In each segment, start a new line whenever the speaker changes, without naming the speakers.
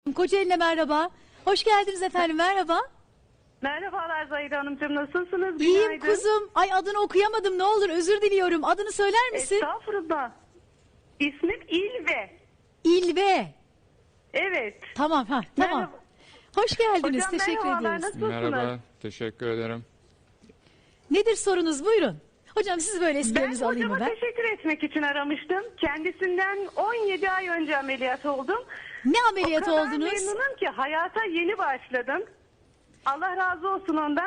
Kocaeli'ne merhaba. Hoş geldiniz efendim, merhaba.
Merhabalar Zahide Hanımcığım, nasılsınız?
İyiyim
Günaydın.
kuzum. Ay adını okuyamadım, ne olur özür diliyorum. Adını söyler misin?
Estağfurullah. İsmim İlve.
İlve.
Evet.
Tamam tamam.
Merhaba.
Hoş geldiniz,
Hocam
teşekkür
merhabalar,
ediyoruz.
nasılsınız?
Merhaba, teşekkür ederim.
Nedir sorunuz, buyurun. Hocam siz böyle
Ben
esprilerinizi alayım mı
hocama
ben?
teşekkür etmek için aramıştım. Kendisinden 17 ay önce ameliyat oldum.
Ne ameliyatı
O kadar
oldunuz?
memnunum ki hayata yeni başladım. Allah razı olsun ondan.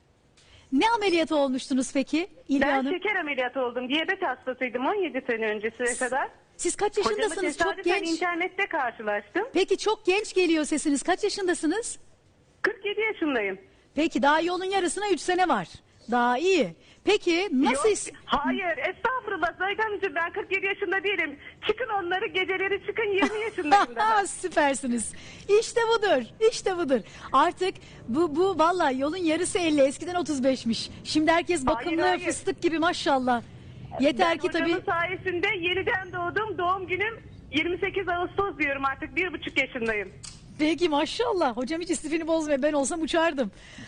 Ne ameliyatı olmuştunuz peki İlve
Ben
Hanım?
şeker ameliyatı oldum. Diyabet hastasıydım 17 sene öncesine kadar.
Siz kaç
Hocamı
yaşındasınız? Çok
tesadüfen
genç.
internette karşılaştım.
Peki çok genç geliyor sesiniz. Kaç yaşındasınız?
47 yaşındayım.
Peki daha yolun yarısına 3 sene var. Daha iyi. Peki nasıl...
Yok, hayır, estağfurullah Zahide Hanımcığım, ben 47 yaşında değilim. Çıkın onları, geceleri çıkın, 20 yaşındayım daha.
Süpersiniz. İşte budur. İşte budur. Artık bu vallahi yolun yarısı 50. Eskiden 35'miş. Şimdi herkes bakımlı
hayır.
fıstık gibi maşallah. Yeter
Ben
ki tabii.
hocamın sayesinde yeniden doğdum. Doğum günüm 28 Ağustos diyorum, artık 1,5 yaşındayım.
Peki maşallah. Hocam hiç istifini bozmuyor. Ben olsam uçardım.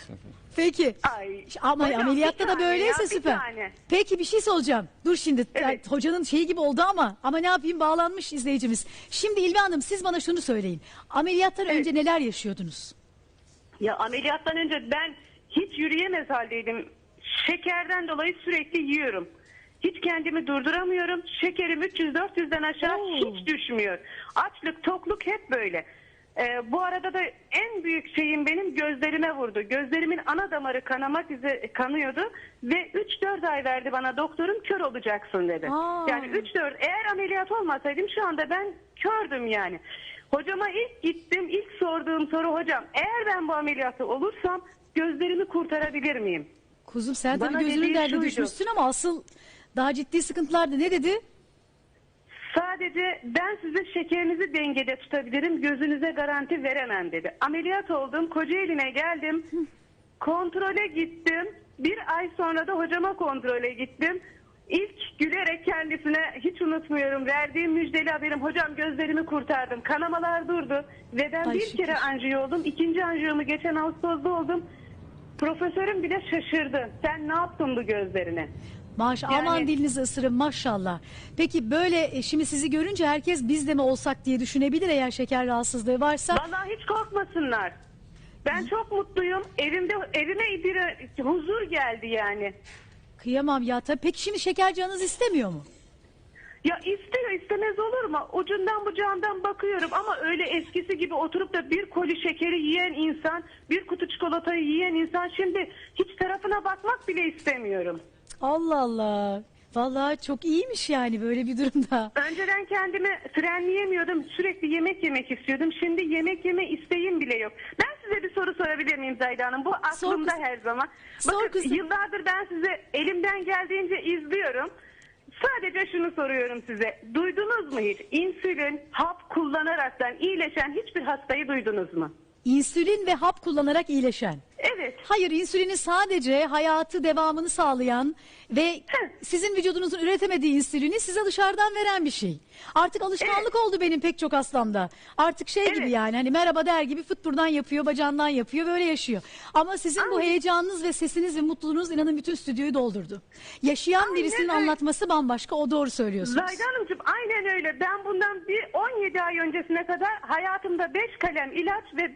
Peki.
Ay,
Ama
hocam,
ameliyatta
bir
da
tane
böyleyse
ya, bir
süper.
tane.
Peki bir şey soracağım. Dur şimdi.
Evet.
Hocanın şeyi gibi oldu ama ne yapayım, bağlanmış izleyicimiz. Şimdi İlve Hanım siz bana şunu söyleyin. Ameliyattan
Evet.
önce neler yaşıyordunuz?
Ya ameliyattan önce ben hiç yürüyemez haldeydim. Şekerden dolayı sürekli yiyorum. Hiç kendimi durduramıyorum. Şekerim 300-400'den aşağı
Oo.
hiç düşmüyor. Açlık, tokluk hep böyle. Bu arada da en büyük şeyim benim gözlerime vurdu. Gözlerimin ana damarı kanıyordu ve 3-4 ay verdi bana doktorum, kör olacaksın dedi.
Aa.
Yani 3-4, eğer ameliyat olmasaydım şu anda ben kördüm yani. Hocama ilk gittim, ilk sorduğum soru, hocam eğer ben bu ameliyatı olursam gözlerimi kurtarabilir miyim?
Kuzum sen
Bana
tabii gözünün
dediği
derdine
şuydu.
düşmüşsün ama asıl daha ciddi sıkıntılardı. Ne dedi?
Sadece ben sizin şekerinizi dengede tutabilirim, gözünüze garanti veremem dedi. Ameliyat oldum, Kocaeli'ne geldim, kontrole gittim. Bir ay sonra da hocama kontrole gittim. İlk gülerek kendisine, hiç unutmuyorum, verdiğim müjdeli haberim, hocam gözlerimi kurtardım. Kanamalar durdu ve ben
Ay
bir
şükür.
kere anjiyo oldum. İkinci anjiyomu geçen Ağustos'ta oldum. Profesörüm bile şaşırdı. Sen ne yaptın bu gözlerine? Yani-
Aman dilinizi ısırın maşallah. Peki böyle şimdi sizi görünce herkes biz de mi olsak diye düşünebilir eğer şeker rahatsızlığı varsa.
Vallahi hiç korkmasınlar. Ben çok mutluyum. Evime bir huzur geldi yani.
Kıyamam ya tabii. Peki şimdi şeker canınız istemiyor mu?
Ya istiyor, istemez olur mu? Ucundan bucağından bakıyorum ama öyle eskisi gibi oturup da bir koli şekeri yiyen insan, bir kutu çikolatayı yiyen insan şimdi hiç tarafına bakmak bile istemiyorum.
Allah Allah. Vallahi çok iyiymiş yani böyle bir durumda.
Önceden kendimi frenleyemiyordum. Sürekli yemek yemek istiyordum. Şimdi yemek yeme isteğim bile yok. Ben size bir soru sorabilir miyim Zahide Hanım? Bu aklımda
kızım.
her zaman.
Sor
Bakın
kızım.
yıllardır ben sizi elimden geldiğince izliyorum. Sadece şunu soruyorum size. Duydunuz mu hiç? İnsülin, hap kullanaraktan iyileşen hiçbir hastayı duydunuz mu?
İnsülin ve hap kullanarak iyileşen.
Evet.
Hayır, insülini sadece hayatı devamını sağlayan ve sizin vücudunuzun üretemediği insülini size dışarıdan veren bir şey. Artık alışkanlık oldu benim pek çok hastamda. Artık şey gibi
Evet.
yani hani merhaba der gibi fıt buradan yapıyor, bacağından yapıyor, böyle yaşıyor. Ama sizin bu
Aynen.
heyecanınız ve sesiniz ve mutluluğunuz inanın bütün stüdyoyu doldurdu. Yaşayan
Aynen
birisinin
öyle.
anlatması bambaşka, o doğru söylüyorsunuz.
Zahide Hanımcığım aynen öyle. Ben bundan bir 17 ay öncesine kadar hayatımda 5 kalem ilaç ve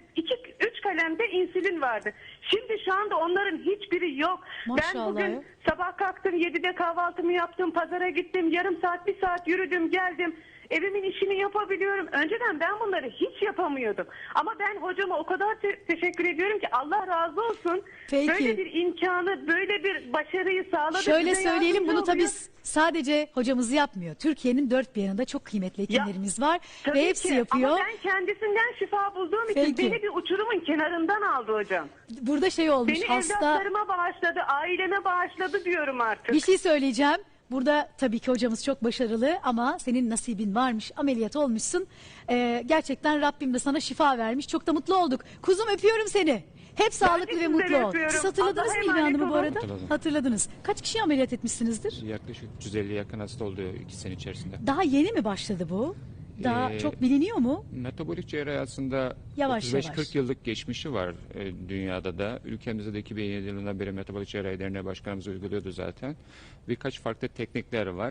3 kalem de insülin vardı. Şimdi şu anda onların hiçbiri yok.
Maşallah
Ben bugün
ya.
sabah kalktım, 7'de kahvaltımı yaptım, pazara gittim, yarım saat, bir saat yürüdüm, geldim. Evimin işini yapabiliyorum. Önceden ben bunları hiç yapamıyordum. Ama ben hocama o kadar teşekkür ediyorum ki, Allah razı olsun.
Peki.
Böyle bir imkanı, böyle bir başarıyı sağladı.
Şöyle
Bize
söyleyelim,
yardımcı
bunu tabii
oluyor.
sadece hocamız yapmıyor. Türkiye'nin dört bir yanında çok kıymetli hekimlerimiz var
Tabii
ve hepsi
ki.
yapıyor.
Ama ben kendisinden şifa bulduğum
Peki.
için beni bir uçurumun kenarından aldı hocam.
Burada şey olmuş,
Beni
hasta
evlatlarıma bağışladı, aileme bağışladı diyorum artık.
bir şey söyleyeceğim. Burada tabii ki hocamız çok başarılı ama senin nasibin varmış, ameliyat olmuşsun. Gerçekten Rabbim de sana şifa vermiş. Çok da mutlu olduk. Kuzum öpüyorum seni. Hep sağlıklı ve
sizleri
mutlu ol.
öpüyorum.
Siz hatırladınız
Allah'a
mı İlvi
emanet
Hanım'ı bu
olun.
arada?
Hatırladım.
Hatırladınız. Kaç kişi ameliyat etmişsinizdir?
Yaklaşık 350 yakın hasta oldu 2 sene içerisinde.
Daha yeni mi başladı bu? Daha çok biliniyor mu?
Metabolik cerrahi aslında
Yavaş
35-40
yavaş.
yıllık geçmişi var dünyada da. Ülkemizde de 2007 yılından beri metabolik cerrahi derneği başkanımız uyguluyordu zaten. Birkaç farklı teknikler var.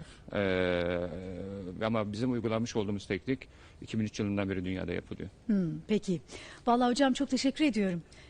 Ama bizim uygulamış olduğumuz teknik 2003 yılından beri dünyada yapılıyor.
Peki. Vallahi hocam çok teşekkür ediyorum.